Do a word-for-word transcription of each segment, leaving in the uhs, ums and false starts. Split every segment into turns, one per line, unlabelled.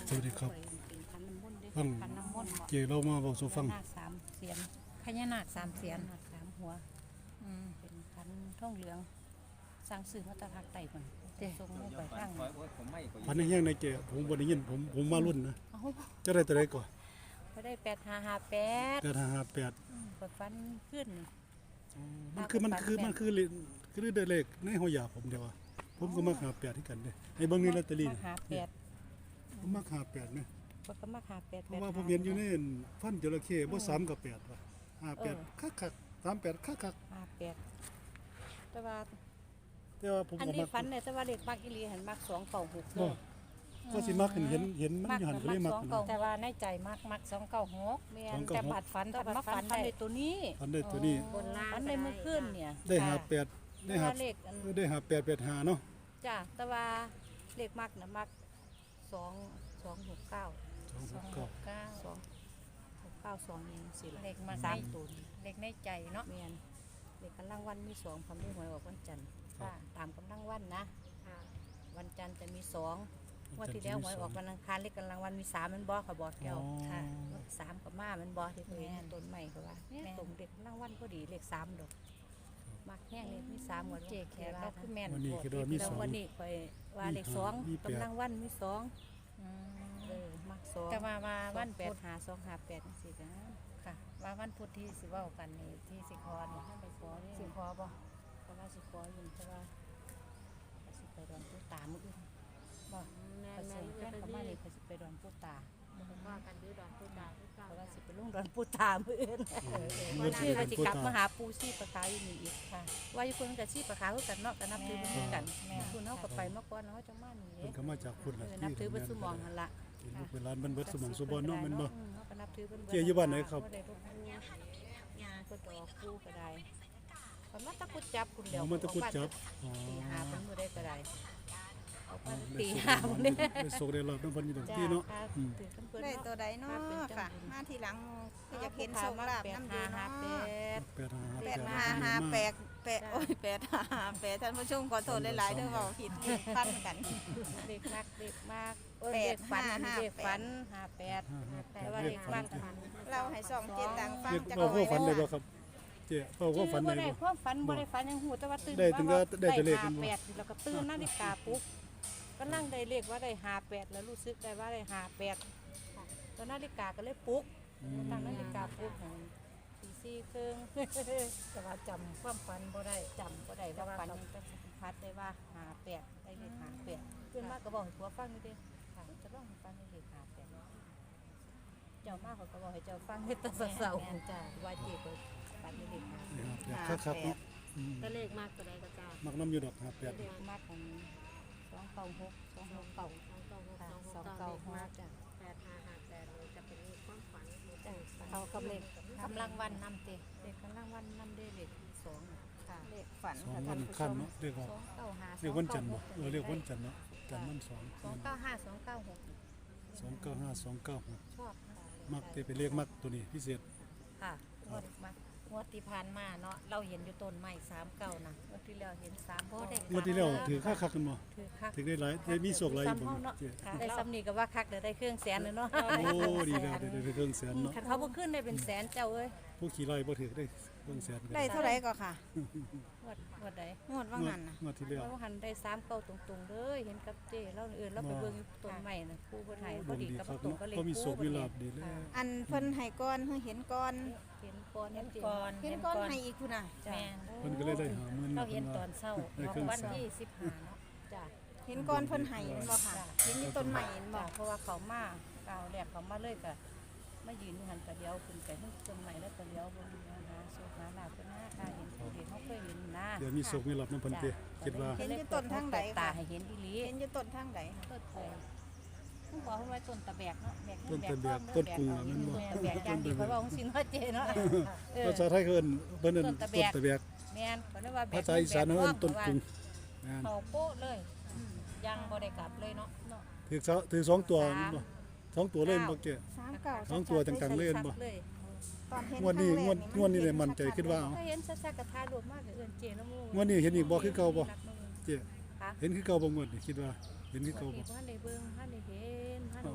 สวัสดีครับ
เป็นขันน้ำมนต์ด้วย
ฟัง
ขันน้ำมนต์
เจเรามาบอกสู่ฟัง
พญานาคสามเสียน
พญานาคสามเสียน
พญานาคสามหัว
อืม
เป็นขันท่องเหลืองสร้างสื่อมาตรภาคใต้ก่อนทรงลงไปข้าง
พันในแห้งในเจผมบ่ได้ยินผมผมมารุ่นนะ
เอา
จะได้ตัวใดก่อน
ไปได้แปดห้าห้าแปด
แปดห้าห้าแปด
กดฟันขึ้น
มันคือมันคือมันคือเลขคือได้เลขในหัวยาผมเดียวว่าผมก็มาหาแปดที่กันเด้ไอ้เบิ่งนี่ลอตเตอรี่
มาหาแปด
ผมมาหาแปดนะ
ก็มาหาแปด
เพราะว่าผมเห็นอยู่ในฟันจระเข้บ่สามกับแปดว่ะห้าแปดคักคักสามแปดคักคัก
ห้าแปดแต่ว่า
แต่ว่าผม
อัน
ก็
นี้
มัก
ฟันเนี่ยแต่ว่าเด็กมักอีหลีเห็นมักสองเก่าหกเล
บ่
ย
ก็สิมักเห็นเห็นเห็นมัน
มัก
อยู่หันก็
มั
เลย
ก
มัก
สอง
นะ
เก่า
แต่ว่าในใจมักมักสองเก้าหก
แม่
สอง
น
เก้า
แต่บัดฝันแต่มาฝันได้ตัวนี้
ฟันได้ตัวนี้
บนล่าง
ฝันได้เมื่อคืนเนี่ย
ได้หาแปดได้
แต่
หา
ว่าเลขอัน
ได้หาแปดแปดหาเนาะ
จ้ะแต่ว่าเลขมักนะมักสองสองหกเก้า
สองห
สอก งห
เก้าก
เก้า
สองหกเก้าสองเองสิ
เลขมัก
สาม
ใน
ตัวนี่
เลขในใจเนาะ
เมียนเลขกำลังวันมีสองคำได้หวยออกวันจันทร์
ค่ะ
ตามกำลังวันนะ วันจันทร์จะมีสองงวันที่แล้วหวยออกวันอังคารเลขกำลังวันมีสามมันบอเขาบอกแก้ว
ค่ะ
สามกับมามันบอที่เคยเห็นต้นใหม่เขาว่าเนี่ย
แม่น
ตรงเด็กกำลังวันพอดีเลขสามดอกมักแห้งเลขมีสามหมด
เจแขกเราคือแม่น
วันนี้
โพด
คือว่ามี
แล้ว
สอง
วันนี้คอยว่าเลขสอง
มีแปด
กำลังวันมีสอง
อืม
เออมักสอง
แต่ว่าว่า
วั
วัน น
แป
พุ
ด
ธ
หาสองหาแปดสิจ้ะ
ค่ะ ว่าวันพุธที่สิเว้ากันนี่ที่สิคอนี่
ท่านไปขอเนี่ย
สิคอบ่
เพราะว่าสิขออยู่แต่ว่าก็สิไปดอนผู้ตามื้ออื่น
บ่
แม่แม่แม่ประมาณนี้ก็สิไปดอนผู้ตา
ว่ากันดื้อดอนพูดดาพูด
เพ
เก่า
ราะว่าสิไปลงดอนผู้ตามื้ออื่น
มัน
ชื่อก็สิ
พูด
กลับ
ตาม
มาหาปูชีปะขาวอยู่นี่อีก
ค่ะ
ว่าอยู่คนก็ชีปะขาวคือกันเนาะก็นับถือเพิ่นคือกัน
แม่
คุณเฮาก็ไปเมื่อก่อนเนาะจังมานี่
เพิ่นก็มาจากคุณ
เอ
ล่ะ
อนับถือเพิ่นสุหมองหั่นล่ะ
ที่ลูกเป็นร้านมันเบิดสมองสุบอนเนาะแมันบ่
อืเฮาก็นับถือเพิ่น
เจ๊อยู่บ้านไหนครับ
ได้บ่ปูยาเพิ่นก็ออกปูก็ได้เพิ่นมาตะกุดจับคุณเดียว
เอามันตะกุดจับอ๋อ
ตีหาเพิ่นบ่ได้ก็ได้เอาไป
ได้
ตี
สุก
หาเพิ่นเด้
ได้สุกได้รอบน้ำเพันอยู่ดอกที่เนาะอืม
ถือเพิ่น
ได้
เนาะ
ตัวใดเนาะ
มาเป็นจัง
ค่ะ
บุญ
มาทีหลังก็อยากเห็นโชคลาภน้ำดีเนาะ
แปดห้า
แป
แป
ด
ด
ห้าห้าแปดแปดโอ้ยแปดห้าห้าแปดท่านผู้ชมขอโทษหลายๆเด้อเว่าผิดพันกัน
เด็กมากเด็กมากเอ้ย
แปด
เด็กฝัน
ห้า
เด็กฝัน
ห้า
ห้าแปด
ห้าห้าแป
แต่
ด
ว่า
เล
เด็
ข
ก
ฝั
มาน กฝัน
เราให้สองเจ็ดดังฟัง
เด็ก
จาก
เอา
เอา
พว
ไว้
กฝันได้
เด้อ
บ่ครับเจ๊เอาพวกฝัน
บ่
ได้
ได้
บ่
ความฝันบ่ได้ฝันยังหูแต่ว่าตื่น
ได้ถึงก็ได้แต่เลขกั
ห้าน
บ่
แปดแล้วก็ตื่นนาฬิกาปลุ๊บก็นั่งได้เลขว่าได้ห้าแปดแล้วรู้สึกได้ว่าได้ห้าแปดตอนนาฬิกาก็เลยปลุ๊ก
อืม
ตั้งนาฬิกาปลุ๊กให้ตีสี่ครึ่ง
แต่ว่าจำความฝันบ่ได้
จำก็ได้ว่าฝันยังเป็นสัมผัสได้ว่าหาแปดได้เลขหาแปดเพื่อนมากก็บอกให้ผัวฟังนี่เด้ค่ะจะลองให้ฟังในเลขหาแปดเจ้ามากเขาก็บอกให้เจ้าฟังให้แตะเสาๆจ้าว่าเจ็บเลยฝันในเลขหาแปด
แปดครับๆเนาะอืม
ตัวเลขมากตัวใดก็จ้า
มักน้ำอยู่ดอกห้าแปด
เลขมากของสองเก้าหกสองหกเก้า
สองเก้าหก
ค่ะ
ส
ส
อ
อง ง
เก้า
เก้า
ห
ห
ก
กจ้า
แปดห้าห้าแปดเลยจะเป็นเลขความฝันเลข
จ้า
เขากับเลขกำลังวันนำเต
เลขกำลังวันนำได้เลขสอง
ค่ะ
เลขฝัน
สอง
ค่ะ
วั
ท่าน นผู้ช
ขั้น
ม
เนาะเรียกว่า
สองเก้าห้า
เรียกวันจันทร์บ่เออเรียกวันจันทร์เนาะจันทร์วันสอง
สองเก้าห้าสองเก้าหก
สองเก้าห้าสองเก้าหก
ชอบค่ะ
มักเตไปเรียกมักตัวนี้พิเศษ
ค่ะ
งวดมางวดที่ผ่านมาเนาะเราเห็นอยู่ต้นไม้สามเก้านะ
วันที่แล้วเห็นสาม
โอ้เด็ก
เมื่อที่แล้วถือค่าคักกันบ่
ถือคัก
ถือได้หลายได้มีโชคหลายบ่เจ๊
ค่ะได้ซ้ำนี่ก็ว่าคักเดี๋ยวได้เครื่องแสนเลยเนาะ
โอ้ดีแล้วได้ได้เครื่องแสนเนาะ
คันเขาบ่ขึ้นได้เป็นแสนเจ้าเอ้ย
ผู้ขี่ไล่บ่ถือได้เครื่องแสนกัน
ได้เท่าไหร่ก็ค่ะ
งวดงวดใด
งวดว่างหันนะ
งวดที่แล้ว
เราหันได้สามเก้าตรงๆเลยเห็นกับเจ้เราเอื่นเราไปเบิ่งอยู่ต้นใหม่น่ะครูบ่ไทย
ด
พอ
วง
ดี
ดี
กับ
ครับ
ตรง
เนาะ
ก็เลย
ก็มีโชคมีลาภดีแล้ว
อันเพิ่นให้ก่อนเพิ่นเห็นก่อน
เห็นก่อน
เห็น
เจ้
ก่อน
เห็นก่อนให้อีกคุณน่ะ
แม่น
เพิ่นก็เลยได้หาหมื่น
เรา
เพิ่
เห็น
น
ตอ
ว่าน
เช้า
ได้
ของ
เครื่อง
วัน
แสน
ที่สิบห้าเนาะ
จ้ะ
เห็นก่อนเพิ่นให้เห็นบ่ค่ะ เห็นอยู่ต้นใหม่เห็นบ่
จ้ะเพราะว่าเขามาก้าวแรกเขามาเลยก็มายืนอยู่หันกระเดียวขึ้นไปทั้งต้นใหม่แล้วกระเดียวเบิ่งหาโชคหาลาภเพิ่นหาค่ะเห็นผู้เห็นเขาเคยเห็นนะ
เดี๋ยวมีโชคมีลาภนำเพิ่นเตคิดว่า
เห็นอยู่ต้นทางใด
ตา
ค่ะ
ให้เห็นอีหลี
เห็นอยู่ต้นทางใดค่ะ
ต้นไทรต้องบอกว่าต้นตะแบกเนาะแบก
ต้นตะแบก
เงิ
ต้นกุ้งอะแม่นบ่
แบกอย่างดีเพราะว่าของสินว่าเจเนาะเออ
ภาษาไทยเอิ้นเพิ่นเอิ้น
ต้
ต้
น
น
ตะแบก
ตะแบก
แม่นเพราะว่าแบก
ภาษาอีสานเอิ้นต้นกุ้งงาน
เขาโป๊ะเลยยังบ่ได้กลับเลยเนาะ
เนาะ
ถือเสาถือสองตัวบ่สองตัวเล่นบ่เจ๊
สามเก้า
สองตัวจังๆเล่นบ่
เลย
ตอนเห็น
งวดนี้
ครั้
งวด
แรก
งวดนี้เลยมั่นใจคิดว่าเอา
ถ้าเห็นซักๆกับทายรวมมากเลยเอิ้นเจนะหมู่
งวดนี้เห็นอีกบ่คือเก่าบ่ เจ๊
ค่ะ
เห็นคือเก่าบ่งวดนี่คิดว่าเห็นคือเก่าบ่
บ่ทันได้เบิ่งทันได้เห็นทันได้ขอ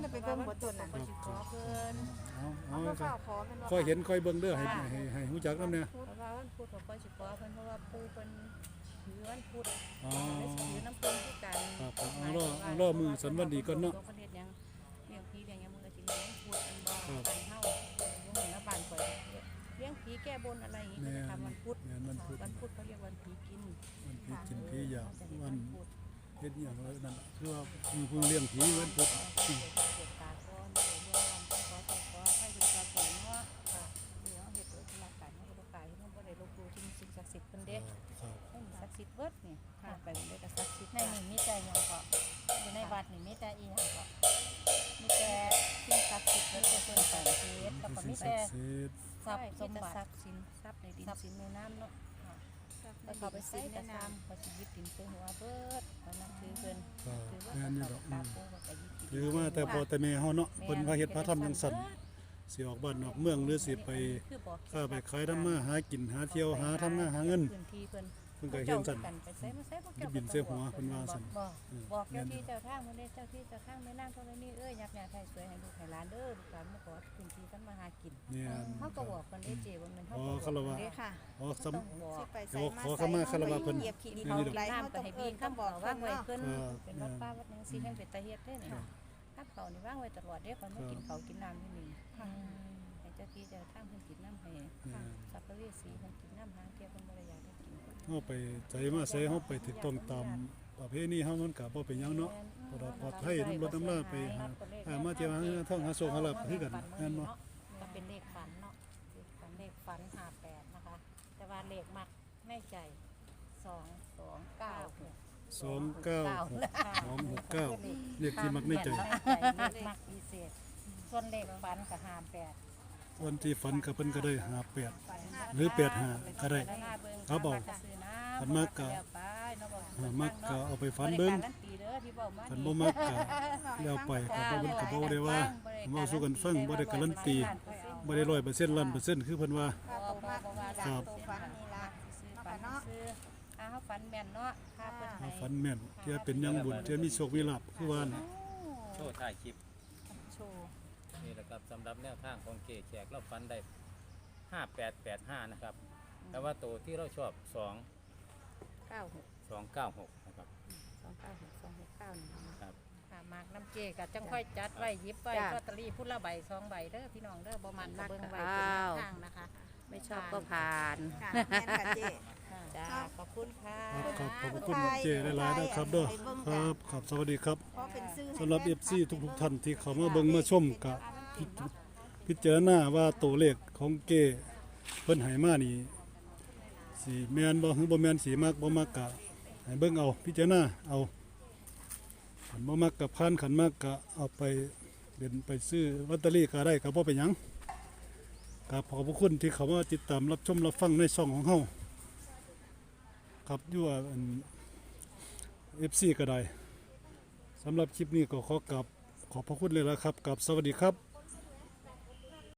ได้ไปเบิ่งบ่ต้นน่ะ
ก็สิขอเพิ่น
เอาเอา
เอา
ก็
ข้าวขอมันว่า
ค่อยเห็นค่อยเบิ่งเด้อให้ให้ให้ฮู้จักนำเนี่ย
เพราะว่าวันพุธก็สิขอเพิ่นเพราะว่าปู่เพิ่นถือวันพุธ
อ๋อ
เลยสิถือน้ำเพิ่นคือกัน
ครับครับเอารอเอารอมือสันวันดีก่อนเนาะ
ประเทศยังเลี้ยงผีเลี้ยงหยังมันก็สิเลี้ยงพุธอันบ่
ครับ
บ้านเฮาบ่เหมือนบ้านข่อยเลี้ยงผีแก้บนอะไรอย่างงี้ก็จะทำวันพุธ
แม่นวันพุธ
วันพุธเขาเรียกวันผีกิน
วันผีกินผีอยาก
จะเรียก
วั
วัน นพุธ
เฮ็ดอหย่างไรนั่นน่ะคือว่ามีผู้เลี้ยงผีเหมือนพุทธ
เกิดเกิดตาก้อนเลยเรื่องวันต้องขอขอขอให้เป็นความสวยเนาะค่ะเดี๋ยวเหตุเกิดที่ร่างกายเฮาบ่กายเฮาบ่ได้ลบหลู่ที่สิ่งศักดิ์สิทธิ์เพิ่นเด้
ครับ
ให้ศักดิ์สิทธิ์เบิดนี่ค่ะไปมันได้ก็ศักดิ์สิทธิ์
ในนี่มีแต่หยังก็อยู่ในวัดนี่มีแต่อีหยังก็
มีแต่สิ่งศักดิ์สิทธิ์มีแต่เพิ่นศักดิ์สิทธิ์
แล้วก็
สิ่
มี
งศั
แต่
กดิ์สิทธิ์
ทรัพย์ส
ส
ม
ม
บั
บั
ติ
ติทรัพย์สินทรัพย์ในดินสินในน้ำเนาะ
แล้
แล้ว ว
เขา
เขา
ไป
ไป
ซื้
ใส่
อ
กระ
ใน
ซาม
น้ำ
เขาสิยึดดินไปหัวเบิดเขานับถือเพิ่น
ก็
ถือว่า
แม่นอยู่
เขา
ดอก
ตา
อืม
โกเขาก็ยึดดิน
ถือมาแต่พอแต่แม่เฮาเนาะเพิ่นพาเฮ็ดพาทำจังซั่นสิออกบ้านนอกเมืองหรือสิไปค้าไปขายทำมาหากินหาเที่ยวหาทำงานหาเงิน
พื้นที่เพิ่น
เพิ่นก็เฮ็ดซั่น
กันไปใส่มาใส่บ่เกี่ยว
บินใส่หัวเพิ่นว่าซั่น
บอก
อืม
บอกเจ้าที่เจ้าทางเพิ่นเด้เจ้าที่เจ้าทางแม่นางเท่านี้เอ้ยยักษ์ยาไทยสวยให้ลูกให้หลานเด้อลูกหลานมาขอพื้นที่กันมาหากิน
เนี่ย
เฮาก็บอกเพิ่นได้เจ้ว่ามันเฮา
อ๋
ก็
อ
บอก
คารวะ
เด้
เด้อค่ะ
อ๋อสำ
ต้องบอก
สิไป
เดี๋
ใส่
ยว
มา
ขอเข้ามาคารวะเพิ่น
เหยียบขี้ดิน
เขา
นี่ดอก
ไหลน้ำก็ให้บีคำบอกว่างไว้เพิ่น
ครับ
เป็นวัดป้าวัดหยังสิให้เป็นตาเฮ็ดเด้นี่ถ้าเขานี่ว่างไว้ตลอดเด้คนมากินเขาวกินน้ำที่นี่ให้เจ้าที่เจ้าทางเพิ่นกินน้ำให้
เนี่ย
สัพเพเวสีเพิ่นกินน้ำหางเที่ยวเพิ่นบ่ได้อยากได้กิน
เฮาไปใจมาใส่เฮาไปถูกต้องตามประเพณีเฮามันก็บ่เป็นหยังเนาะ ปลอดปลอดภัยน้ำรถน้ำลาไปหาหามาเที่ยวหาเงินท่องหาโชคหาลาภคือกันแม่นบ่
ก็เป็นเลขฝันเนาะเลขฝันห้าแปดนะคะ แต่ว่าเลขมักในใจสองสองเก้าหก
สองเก้าหกสองหกเก้าเลขที่มักในใจ
เลขมักพิเศษ ส่วนเลขฝันกับห้าแปด
วันที่ฝันก็เพิ่นก็ได้ห้าแปดหรือแปดห้าก็ได้ ครับบอก ฝันมากก็หามักก็เอาไปฝันเบิ่งฝันบ่มักก็แล้วไปก็บ่เพิ่นก็บ่ได้ว่าเว้าสู่กันฟังบ่ได้การันตีบ่ได้ร้อยเปอร์เซ็นต์ล้านเปอร์เซ็นต์คือเพิ่นว่า
ข้าวตัวมาก
ครับ
ตัวฟันนี่ล่ะ
ฝันซื้ออาเขาฝันแม่นเนาะค่าเพิ่นให้
ฝันแม่นเที่ยเป็นหยังบุญเที่ยมีโชคมีลาภคือว่าน่ะ
โชว์ถ่ายคลิป
โชว์
นี่แหละครับสำหรับแนวทางของเกแขกเราฟันได้ห้าแปดแปดห้านะครับ แต่ว่าตัวที่เราชอบสอง
เก้าหก
สองเก้าหกนะครับ
สองเก้าหกสองหกเก้านี่
ครับ
ค่ะมากน้ำเจกับจังค่อยจัดไว้หยิบไว้
จ้ะ
ลอตเตอรี่พุ่นละใบสองใบเด้อพี่น้องเด้อบ่มันก็เบิ่งไว้
มักก็
เป็นแน
เอา
วทางนะคะ
ไม่ชอบก็ผ่าน
ค่ะแม่นค่ะเจ๊
จ้าขอบคุณค่ะ
ครับครับขอบคุณเจหลายๆนะครับเด้อครับครับสวัสดีครับ
เพราะเป็นซื้อ
สำหรับ เอฟ ซี ทุกๆท่านที่เข้ามาเบิ่งมาชมก็พิจพิจารณาว่าตัวเลขของเกเพิ่นให้มานี่สิแม่นบ่หรือบ่แม่นสิมักบ่มักก็ให้เบิ่งเอาพิจารณาเอาคันบ่มักก็ผ่านคันมักก็เอาไปเล่นไปซื้อลอตเตอรี่ก็ได้ก็บ่เป็นหยังครับขอบพระคุณที่เข้ามาติดตามรับชมรับฟังในช่องของเฮาครับอยู่ว่าอัน เอฟ ซี ก็ได้สำหรับคลิปนี้ก็ขอกลับขอบพระคุณเลยละครับกับสวัสดีครับ